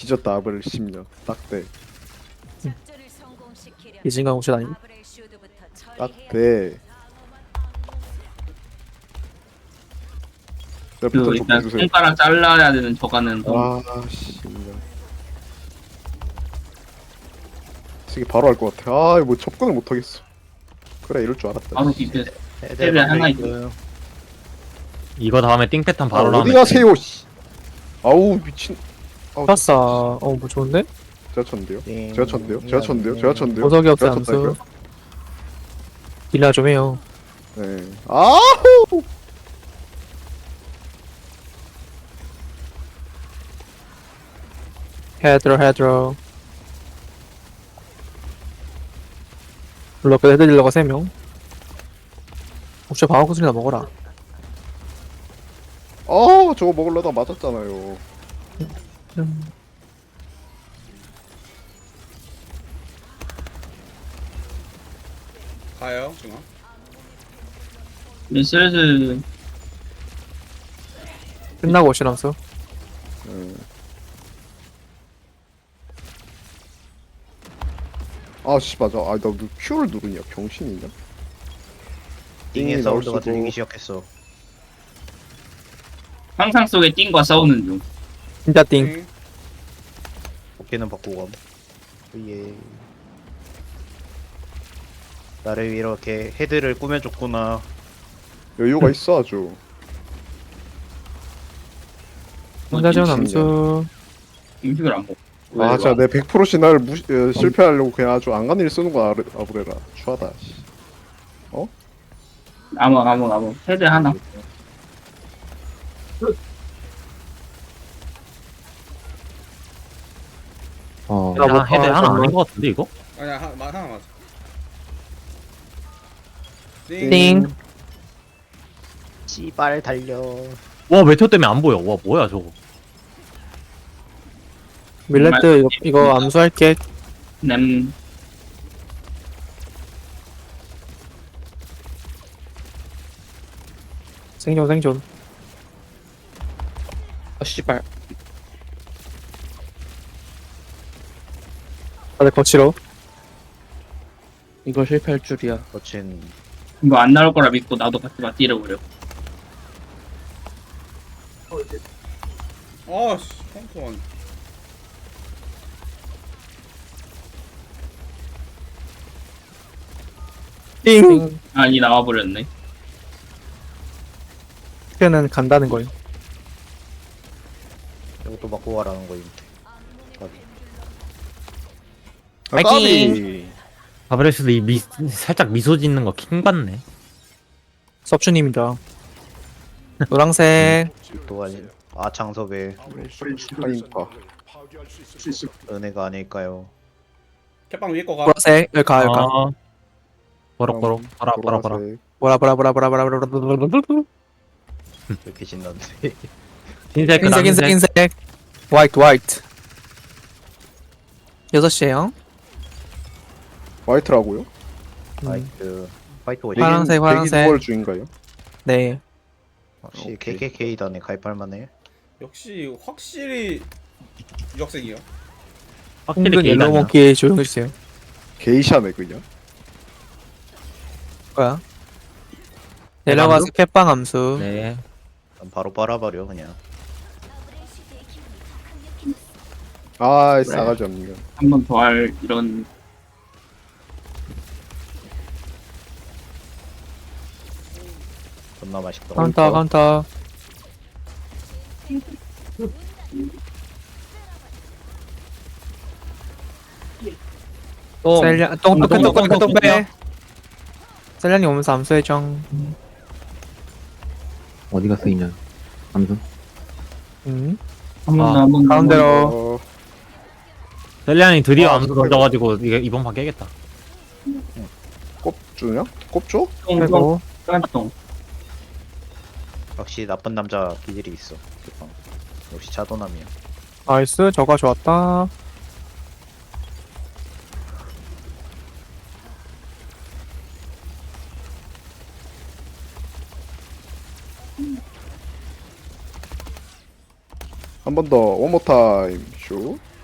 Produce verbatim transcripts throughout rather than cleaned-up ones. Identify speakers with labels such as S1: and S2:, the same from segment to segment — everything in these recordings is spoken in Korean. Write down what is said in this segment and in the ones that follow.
S1: 뒤졌다 아브렐 십 년 딱대
S2: 이진강 옵션 아니고
S1: 딱대 자
S3: 그
S1: 비탄 좀
S3: 일단
S1: 해주세요.
S3: 손가락 잘라야 되는 저가는 좀
S1: 아씨 이게 바로 할 것 같아. 아 뭐 접근을 못 하겠어. 그래 이럴 줄 알았다.
S3: 바로 비벼.
S4: 애들
S3: 애들 하나
S4: 있어요.
S5: 이거 다음에 띵 패턴 바로
S1: 아,
S5: 나오면
S1: 어디 가세요 씨. 아우 미친. 아우
S2: 플러스 어뭐 좋은데?
S1: 제가 쳤는데요.
S4: 띵.
S1: 제가 쳤는데요. 제가 쳤는데요. 제가 쳤는데요.
S2: 보석이 없어
S1: 제가
S2: 암수
S1: 쳤다니까요.
S2: 딜라 좀 해요.
S1: 네. 아우.
S2: 헤드로 헤드로 블럭 헤드딜러가 세 명. 혹시 방어구슬이나 먹어라.
S1: 아 저거 먹으려다 맞았잖아요.
S2: 음.
S6: 가요 중앙.
S3: 우리 슬슬
S2: 끝나고 오신 암수.
S1: 네. 아씨 맞아. 아나 Q를 누르냐 병신이냐?
S4: 띵의
S1: 띵이
S4: 사운드가
S1: 나올 수도.
S4: 들리기 시작했어.
S3: 상상 속의 띵과 싸우는 중.
S2: 진짜 띵.
S6: 띵.
S4: 어깨는 바꾸고 감. 예. 나를 이렇게 헤드를 꾸며줬구나.
S1: 여유가 있어 아주.
S2: 혼자 지원
S1: 미친년.
S2: 암수.
S3: 음식을 안 먹어.
S1: 아 진짜 내 백 퍼센트 신화를 무시, 어, 실패하려고 그냥 아주 안 가는 일 쓰는 거 아브레, 아브레라. 추하다. 씨.
S3: 아무 아무 아무 헤드 하나.
S5: 어,
S2: 야, 뭐,
S5: 헤드
S2: 아,
S5: 하나
S2: 잠깐만.
S5: 아닌 것 같은데 이거?
S6: 아니야 하, 마, 하나 맞아.
S2: 띵.
S4: 씨발 달려.
S5: 와 메테오 때문에 안 보여. 와 뭐야 저거.
S2: 밀레트 이거, 이거 암수할게.
S3: 냄
S2: 생존 생존. 아 씨발. 다들 거치로. 이거 실패할 줄이야.
S4: 거친
S3: 이거 안 나올 거라 믿고 나도 같이 맞디려 버려.
S6: 아씨 펑크만.
S2: 띵.
S3: 아니 나와 버렸네.
S2: 는 간다는 거예요.
S4: 이것도 바꾸고 가라는 거임.
S1: 아, 까비.
S5: 바브레스도 이 미, 살짝 미소 짓는 거 킹 받네.
S2: 섭주님이다. 노랑색.
S4: 또 아니 아창섭의
S1: 하니까.
S4: 은혜가 아닐까요?
S6: 캣빵 위에 거가.
S2: 보라색. 여기 가 여기 가.
S5: 아, 버럭버럭 봐라 봐라 봐라.
S1: 보라색.
S2: 보라 보라 보라 보라 보라 보라 보라 보라 보라.
S4: 왜 이렇게 신난데?
S5: 흰색
S2: 흰색 흰색 흰색. 화이트 화이트. 여섯 시에요.
S1: 화이트라고요?
S4: 화이트 화이트
S2: 네. 파란색,
S4: 워치.
S2: 파란색.
S1: 구월 중인가요?
S2: 네.
S4: 혹시
S1: 오케이.
S4: 케이케이케이단에 가입할 만해?
S6: 역시 확실히 유학생이요.
S5: 확실히
S2: 홍근
S5: 게이가
S2: 옐로우
S5: 아니야.
S2: 몽키 조용해주세요.
S1: 게이샤네 그냥.
S2: 뭐야? 내려가서 캣빵 암수.
S5: 네.
S4: 난 바로 빨아버려 그냥.
S1: 아 싸가지 없는 거.
S3: 한 번 더 할 이런
S4: 존나 맛있다.
S2: 카운터 카운터.
S5: 또
S2: 셀량 똥똥
S5: 똥,
S2: 똥똥
S5: 똥,
S2: 똥
S5: 똥,
S2: 빼. 셀량이 오면서 암수해줘.
S7: 어디가 쓰이냐 암수
S2: 음.
S3: 한번
S5: 아,
S3: 한번
S2: 가운데로.
S1: 어,
S5: 셀리안이 드디어
S1: 아,
S5: 암수
S1: 그래요.
S5: 던져가지고 이게 이번 판 깨겠다.
S1: 꼽주냐? 꼽줘?
S3: 똥똥
S2: 그리고
S3: 똥.
S4: 역시 나쁜 남자 기질이 있어. 캣빵. 역시 차도남이야.
S2: 나이스 저가 좋았다.
S1: 한 번 더 원모 타임 슛.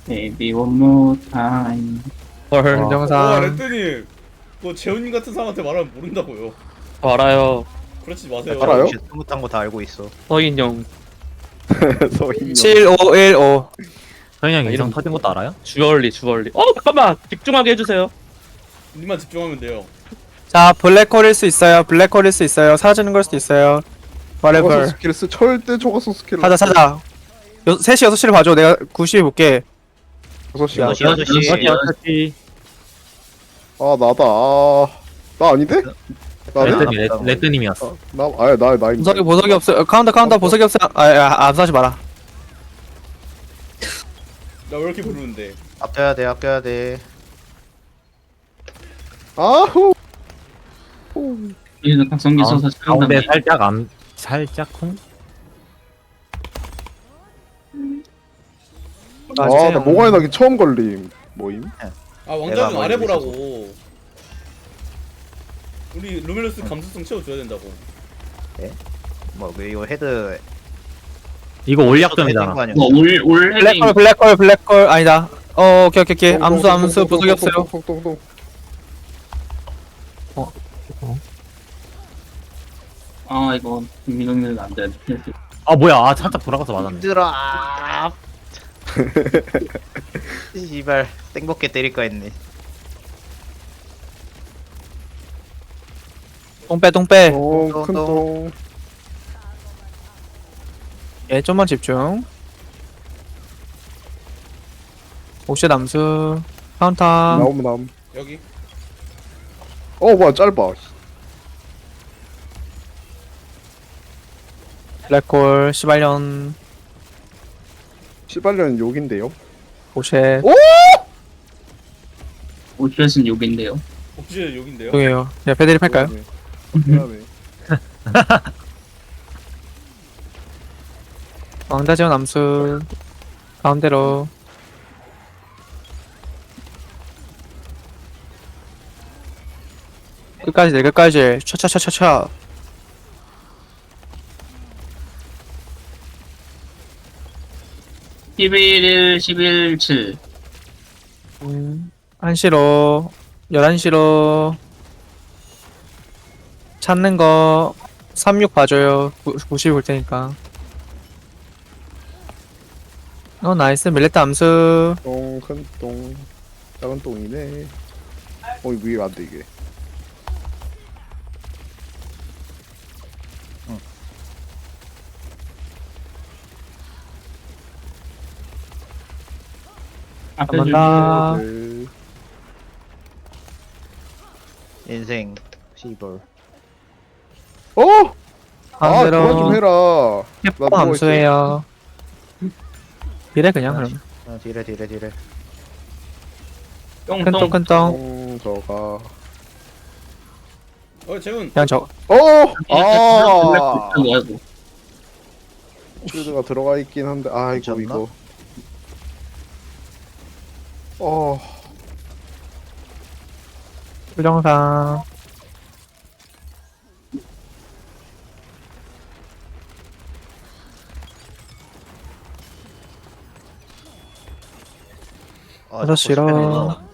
S3: Baby one more time.
S5: 헐.
S6: 와
S2: 정상
S6: 레드님 그거 재훈님 같은 사람한테 말하면 모른다고요.
S2: 저 알아요.
S6: 그렇지 마세요.
S1: 알아요?
S4: 혹시 스무탄 거 다 알고 있어.
S2: 서인영
S1: 서인영.
S2: 칠오일오
S5: 서인이 형
S2: 아,
S5: 이성
S2: 이름
S5: 터진 것도 알아요?
S2: 주얼리 주얼리. 어 잠깐만 집중하게 해주세요.
S6: 님만 집중하면 돼요.
S8: 자, 블랙홀일 수 있어요. 블랙홀일 수 있어요. 사라지는 걸 수도 있어요.
S1: 초가속
S8: whatever.
S1: 스킬 쓰 절대 초가속 스킬.
S8: 찾아, 찾아. 여, 세 시, 여섯 시를 봐줘. 내가 구 시에 볼게.
S1: 여섯 시.
S4: 여섯 시 여섯 시.
S3: 여섯 시.
S5: 어차피
S1: 아 나다. 아, 나 아닌데? 나네?
S5: 레드님 레- 레드님이었어.
S1: 아, 나 아예 나 나입니다.
S8: 보석이, 보석이 없어. 어, 카운터, 카운터, 보석이 없어. 아, 아, 암사하지 마라.
S6: 나 왜 이렇게 부르는데?
S4: 아껴야 돼 아껴야 돼.
S1: 아후.
S3: 여기서 각성기 써서
S5: 가운데
S3: 차단당해.
S5: 살짝 암 살짝 쿵.
S8: 아,
S1: 아,
S8: 진짜
S1: 나 모가에 나기 처음 걸림. 뭐임?
S6: 아
S4: 내가
S6: 왕자님
S4: 뭐
S6: 아래
S4: 이러고
S6: 보라고. 우리 루멜로스 감수성 채워줘야 된다고.
S4: 뭐 이거 헤드
S5: 이거
S4: 헤딩
S5: 올약점이잖아.
S4: 거 아니야?
S3: 뭐올올 헤딩.
S8: 블랙홀, 블랙홀, 블랙홀. 아니다. 어, 오케이, 오케이, 오케이. 암수, 암수, 보석이 없어요.
S1: 똥똥똥똥똥.
S3: 아 이거 민호는 안 돼.
S5: 아 뭐야? 아 살짝 돌아가서 맞았네.
S4: 힘들어. 아. 씨발 땡벗게 때릴까 했네.
S8: 똥빼, 똥빼.
S1: 똥, 큰 똥.
S8: 예, 좀만 집중. 옵션 암수. 카운터.
S1: 나오면 남.
S6: 여기.
S1: 어, 뭐야, 짧아.
S8: 블랙홀, 시발년.
S1: 시발년 욕인데요.
S8: 오쉣.
S3: 오쉣은 욕인데요.
S6: 옥지 여긴데요.
S8: 죄송해요. 야, 패드립 할까요?
S1: 미안해.
S8: 왕자지원 암수. 가운데로. 끝까지 내 끝까지. 차차차차차.
S3: 십일, 십일, 칠.
S8: 음, 한 시로. 열한 시로. 찾는 거. 삼육 봐줘요. 구십 볼 테니까. 어, 나이스. 밀레트 암수.
S1: 똥, 큰 똥. 작은 똥이네. 어, 이거 위에 안 돼, 이게.
S3: 앞에
S8: 한
S3: 줄.
S8: 번 더.
S1: 네.
S4: 인생 씨발.
S1: 어! 아, 그만 좀
S8: 가운데로.
S1: 해라. 나
S8: 해포
S1: 누워있어.
S8: 암수해요. 이래, 그냥, 그럼.
S4: 아, 뒤래 뒤래 뒤래.
S8: 큰 똥,
S3: 똥똥.
S8: 큰 똥.
S1: 똥, 저가.
S6: 어 재훈.
S8: 그냥 저.
S1: 어! 아!
S3: 아이고 아이고.
S1: 쉴드가 들어가 있긴 한데, 아이고,
S4: 괜찮나?
S1: 이거. 어,
S8: 부정상.
S4: 아,
S8: 여섯 시로.
S4: 스페인어.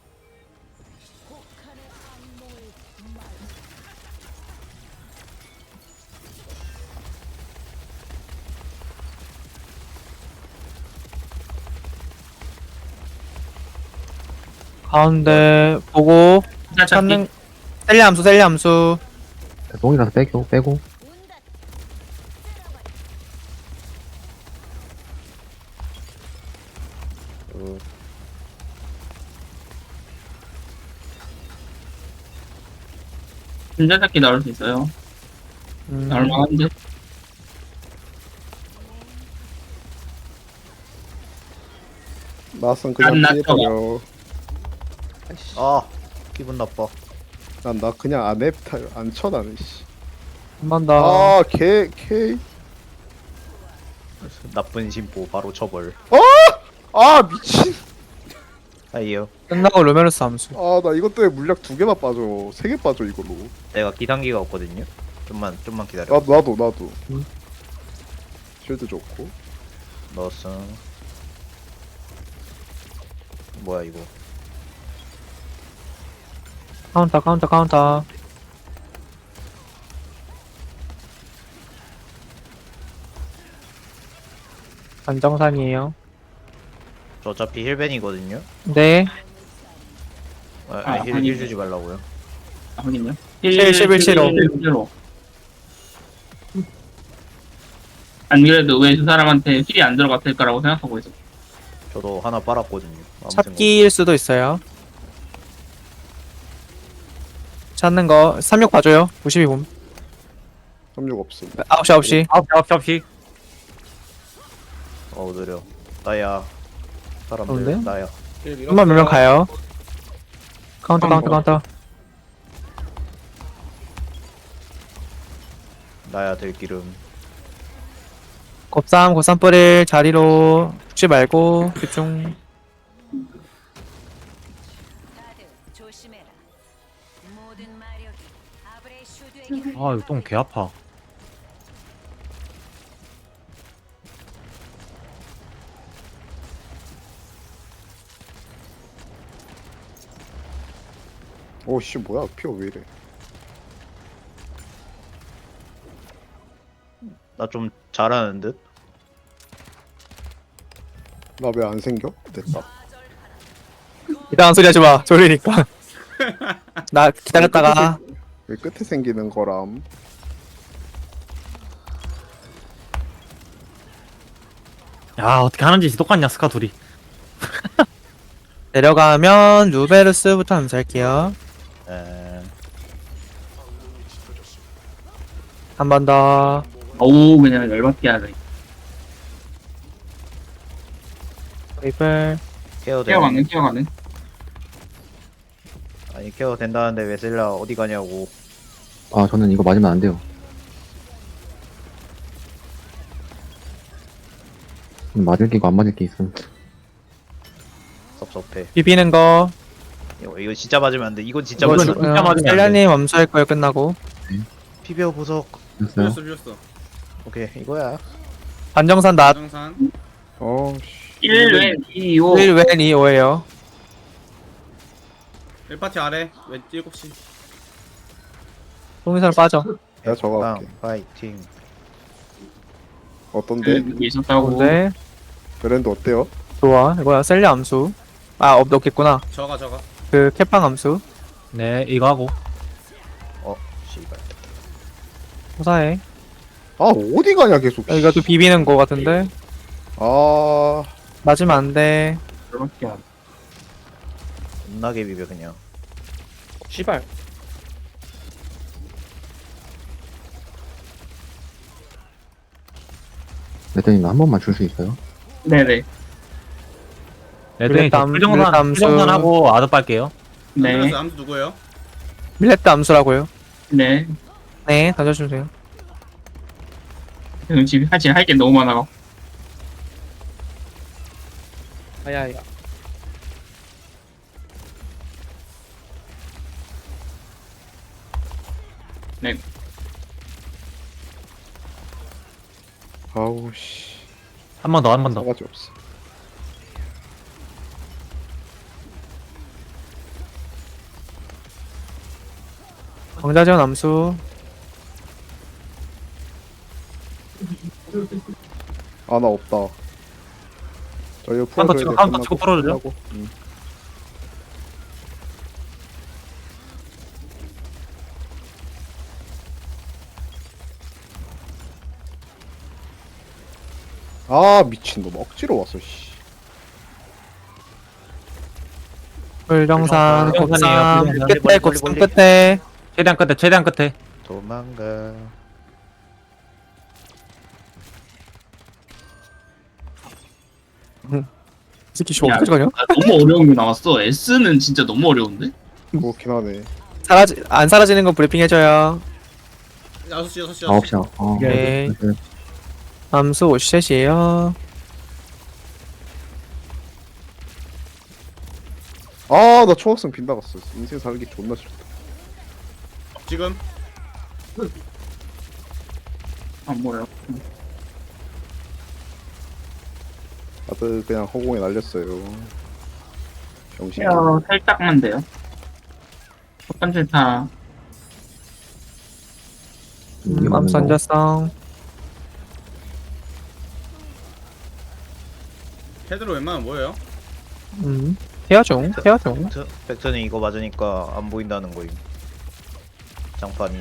S8: 가운데 보고
S3: 찾기.
S8: 찾는 셀리 함수 셀리 함수
S7: 똥이라서 빼고 빼고
S4: 어,
S3: 진짜 찾기 나올 수 있어요.
S8: 음,
S3: 얼마한데?
S1: 나선
S3: 안
S1: 그냥
S3: 났어.
S1: 피해버려.
S4: 아 기분 나빠.
S1: 난 나 그냥 안 앱타, 안 쳐, 나는, 씨.
S8: 한 번 더.
S1: 아, 개, 개.
S4: 나쁜 심보 바로 처벌.
S1: 아, 미친.
S4: 아이요.
S8: 끝나고 루메르스 함수.
S1: 아, 나 이것 때문에 물약 두 개나 빠져. 세 개 빠져, 이걸로.
S4: 내가 기상기가 없거든요. 좀만 좀만 기다려.
S1: 나도, 나도, 나도.
S8: 음.
S1: 쉴드 좋고.
S4: 넣었어. 뭐야 이거?
S8: 카운터 카운터 카운터. 안정산이에요.
S4: 저 어차피 힐벤이거든요.
S8: 네.
S4: 아,
S3: 아,
S4: 아니, 힐,
S3: 아니.
S4: 힐 주지 말라고요.
S3: 아, 확인요.
S8: 칠, 십일, 칠오.
S3: 칠오. 안 그래도 왜 두 사람한테 힐이 안 들어갔을까라고 생각하고 있어.
S4: 저도 하나 빨았거든요. 아무
S8: 찾기일 수도 있어요. 찾는 거 삼육 봐줘요. 구십이 봄.
S1: 삼육 없음.
S8: 아홉 시 아홉 시.
S5: 아홉 시 아홉 시 아홉 시.
S4: 생각- 어우 느려. 나야. 사람들
S8: 좋은데?
S4: 나야.
S8: 한번 몇명 가요. 카운터 카운터 카운터.
S4: 나야 들기름.
S8: 곱삼 곱삼 뿌릴 자리로 죽지 말고 집중.
S9: 다들 조심해라. 모든 마력이 아브레 슈드에게
S5: 아, 이거 똥 개 아파.
S1: 오씨 뭐야 피어 왜 이래?
S4: 나 좀 잘하는 듯.
S1: 나 왜 안 생겨? 됐다.
S8: 이상한 소리 하지 마. 졸리니까. 나 기다렸다가
S1: 왜 끝에 생기는 거람?
S5: 야, 어떻게 하는지 똑같냐, 스카 둘이.
S8: 내려가면 루베르스부터 암살게요.
S4: 에...
S8: 한 번 더.
S3: 어우, 그냥 열받게 하네.
S8: 웨이플.
S4: 케어 돼.
S3: 뛰어가는, 뛰어가는.
S4: 아니 케어 된다는데 웨슬라 어디 가냐고.
S7: 아 저는 이거 맞으면 안 돼요. 음, 맞을 게고 안 맞을 게 있음.
S4: 섭섭해.
S8: 비비는 거.
S4: 이거, 이거 진짜 맞으면 안 돼. 이건 진짜
S5: 이거는
S4: 맞으면 안 돼.
S5: 진짜 맞으면 안 돼.
S8: 셀라님 암수할 거예요 끝나고.
S4: 피벼 보석.
S7: 됐어요?
S6: 비었어 비었어.
S4: 오케이 이거야.
S8: 반정산 낫.
S6: 정산.
S1: 어씨.
S3: 일, 왼, 이, 오.
S8: 일 웬 이 오예요.
S6: 일 파티 아래 왼 일곱 시.
S8: 송이선 빠져.
S1: 내가 저거 할게.
S4: 빵 파이팅.
S1: 어떤데?
S3: 여기 있었다고.
S8: 근데
S1: 브랜드 어때요?
S8: 좋아. 이거야 셀리 암수. 아 없, 없겠구나.
S6: 저가 저가.
S8: 그 캣빵 암수.
S5: 네, 이거 하고.
S4: 어 씨발.
S8: 호사해.
S1: 아 어디 가냐 계속.
S8: 아, 이거 또 비비는 거 같은데.
S1: 아
S8: 맞으면 안 돼.
S3: 열받게 하네.
S4: 겁나게 비벼 그냥.
S8: 씨발.
S7: 레드님 한 번만 줄 수 있어요?
S3: 네네.
S5: 레드님, 저
S8: 블랙담,
S5: 풀정산,
S8: 블랙담수.
S5: 풀정산하고 아드 빨게요.
S3: 네.
S6: 암수 암수 누구예요?
S8: 밀레트 암수라고요.
S3: 네.
S8: 네 던져주세요.
S3: 지금 지금 사실 할 게 너무 많아.
S8: 아야야.
S3: 네.
S1: 아우 씨.
S5: 한 번 더, 한 번 더.
S1: 싸가지 없어.
S8: 정자전 암수.
S1: 아 나 없다. 저 이거
S5: 카운터
S1: 풀어줘야
S5: 치고,
S1: 돼.
S5: 카운터
S1: 끝나고,
S5: 치고 풀어주죠.
S1: 끝나고. 응. 아 미친놈 억지로 왔어 씨.
S8: 불정산
S5: 불정산이에요,
S8: 곱삼
S5: 불정산.
S8: 끝에
S4: 멀리,
S8: 곱삼
S4: 멀리.
S8: 끝에.
S5: 최대한 끝에, 최대한 끝에.
S4: 도망가.
S8: 이 새끼 씨
S3: 야.
S8: 어디까지 가냐?
S3: 아, 너무 어려운 게 나왔어. S는 진짜 너무 어려운데?
S1: 그렇긴 하네.
S8: 사라지 안 사라지는 거 브리핑 해줘요.
S6: 여섯 시 여섯 시.
S7: 아홉 시. 어.
S8: 네.
S7: 됐어요.
S8: 암수 오셋이에요.
S1: 아나 초학생 빗나갔어. 인생 살기 존나 싫다.
S6: 지금
S3: 안 보여.
S1: 다들 그냥 허공에 날렸어요. 병신.
S3: 케어 살짝만 돼요. 첫 번째 타
S7: 이게
S8: 음,
S7: 맞는
S8: 암수
S7: 거.
S8: 앉았어.
S6: 헤드로 웬만하면 뭐예요?
S8: 음. 태아 중, 태아 중.
S4: 벡터, 벡터는 이거 맞으니까 안 보인다는 거임. 장판이.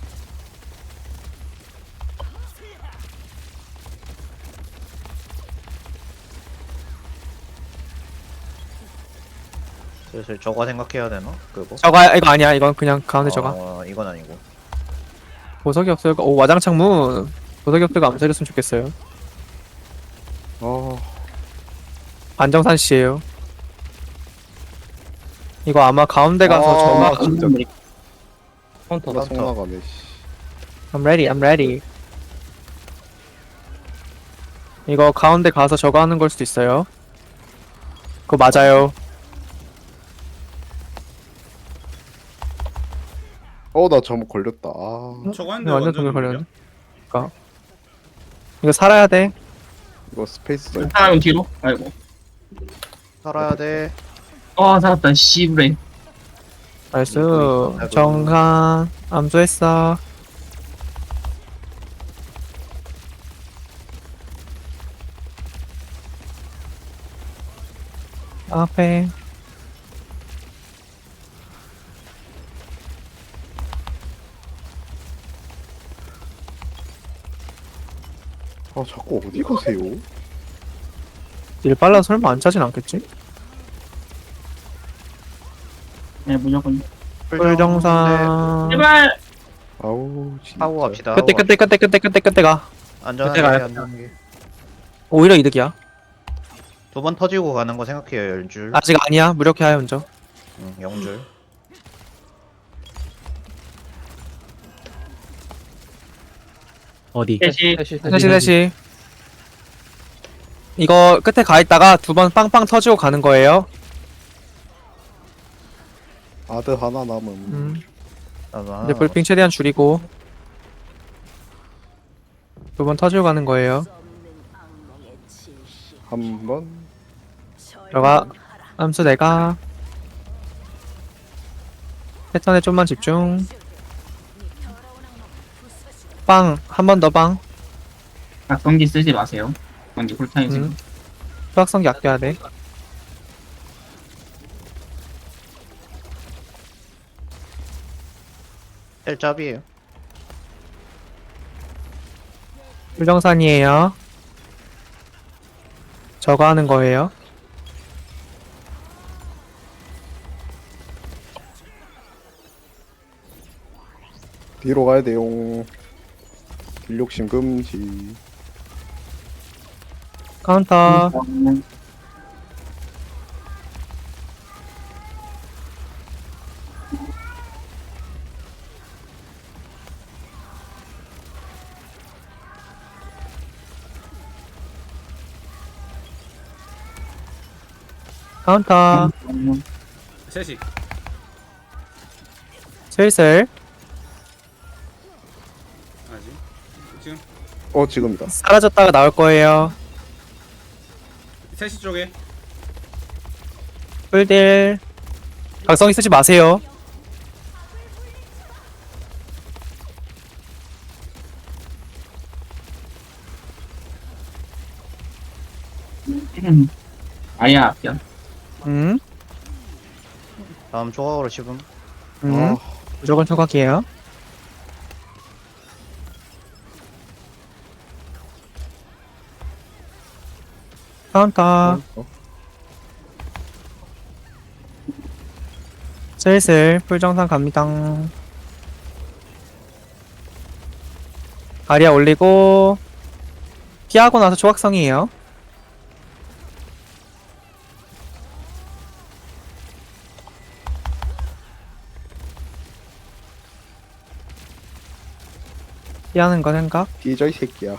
S4: 슬슬 저거 생각해야 되나? 그거?
S8: 저가 이거 아니야. 이건 그냥 가운데 저가.
S4: 어, 이건 아니고.
S8: 보석이 없어요. 오 와장창문. 보석이 없어가 암살했으면 좋겠어요.
S1: 아,
S8: 안정산 씨예요. 이거 아마 가운데 가서
S1: 아,
S8: 저가.
S1: 진짜
S5: 카운터.
S1: 나 속나가네. 씨.
S8: I'm ready, I'm ready. 이거 가운데 가서 저거 하는 걸 수도 있어요. 그거 맞아요.
S1: 어, 나 잘못 걸렸다. 아,
S6: 저거 하는데
S8: 완전
S6: 완전
S8: 동일
S6: 걸려?
S8: 걸렸네. 그니까. 이거 살아야 돼.
S1: 이거 스페이스.
S3: 사람 뒤로. 아이고.
S4: 살아야 돼.
S3: 어 살았다. 씨브레.
S8: 나이스. 정한. 암수했어. 앞에.
S1: 아, 자꾸 어디 가세요?
S8: 일 빨라 설마 안 차진 않겠지?
S3: 네 무조건.
S8: 불정산.
S3: 제발.
S1: 아우, 진짜.
S4: 하고 갑시다.
S8: 끝에 끝에 끝에 끝에 끝에 끝에 가.
S4: 안전하게
S8: 끝에 가요.
S4: 안전하게.
S8: 오히려 이득이야.
S4: 두 번 터지고 가는 거 생각해요. 열 줄.
S8: 아직 아니야. 무력해야 먼저.
S4: 응, 영 줄.
S5: 어디?
S3: 셋이.
S8: 셋이 셋이. 이거 끝에 가 있다가 두 번 빵빵 터지고 가는 거예요.
S1: 아드 하나 남음.
S8: 음.
S4: 나도 하나
S8: 이제 불핑 최대한 줄이고 두 번 터지고 가는 거예요.
S1: 한 번.
S8: 들어가. 암수 내가. 패턴에 좀만 집중. 빵. 한 번 더 빵.
S3: 각성기 쓰지 마세요. 각성기 쿨타임 지금.
S8: 음. 수학성기 아껴야 돼.
S4: 셀 짭이에요.
S8: 불정산이에요. 저거 하는 거예요.
S1: 뒤로 가야 돼용. 딜욕심 금지.
S8: 카운터.
S3: 음,
S8: 카운터.
S3: 음,
S6: 셋이.
S8: 슬슬
S6: 아직. 지금
S1: 어, 지금이다.
S8: 사라졌다가 나올 거예요.
S6: 셋이 쪽에.
S8: 풀딜. 각성기 쓰지 마세요.
S3: 음. 아예 아껴.
S8: 음.
S4: 다음 조각으로 씹음.
S8: 음.
S1: 아,
S8: 무조건 초각이에요. 카운터.
S1: 어?
S8: 슬슬 풀정산 갑니다. 아리아 올리고 피하고 나서 조각성이에요. 피하는 거 생각.
S1: 뒤져 이 새끼야.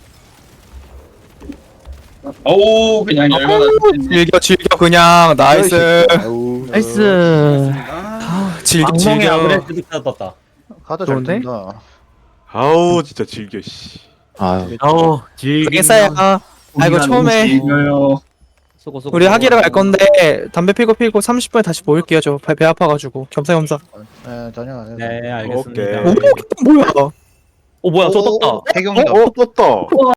S3: 오 그냥 열받아.
S8: 즐겨 즐겨 그냥 나이스.
S1: 뒤져, 이 새끼야. 아우.
S5: 나이스.
S6: 아,
S8: 즐겨
S5: 악몽의
S8: 즐겨.
S5: 아브레스부터 떴다.
S4: 카드 잘
S8: 좋은데?
S4: 뜬다.
S1: 아우, 진짜 즐겨, 씨.
S7: 아유,
S5: 어우, 질.
S8: 그랬어요. 아이고 처음에
S3: 이겨요.
S2: 수고 수고.
S8: 우리 하기를 갈 건데 담배 피고 피고 삼십 분에 다시 모일게요. 저 배 아파가지고 겸사겸사.
S4: 네 전혀 안 해도
S5: 네 알겠습니다.
S10: 오케이.
S8: 오, 뭐야?
S2: 어 뭐야 저 떴다.
S4: 해경이다.
S10: 어 떴다.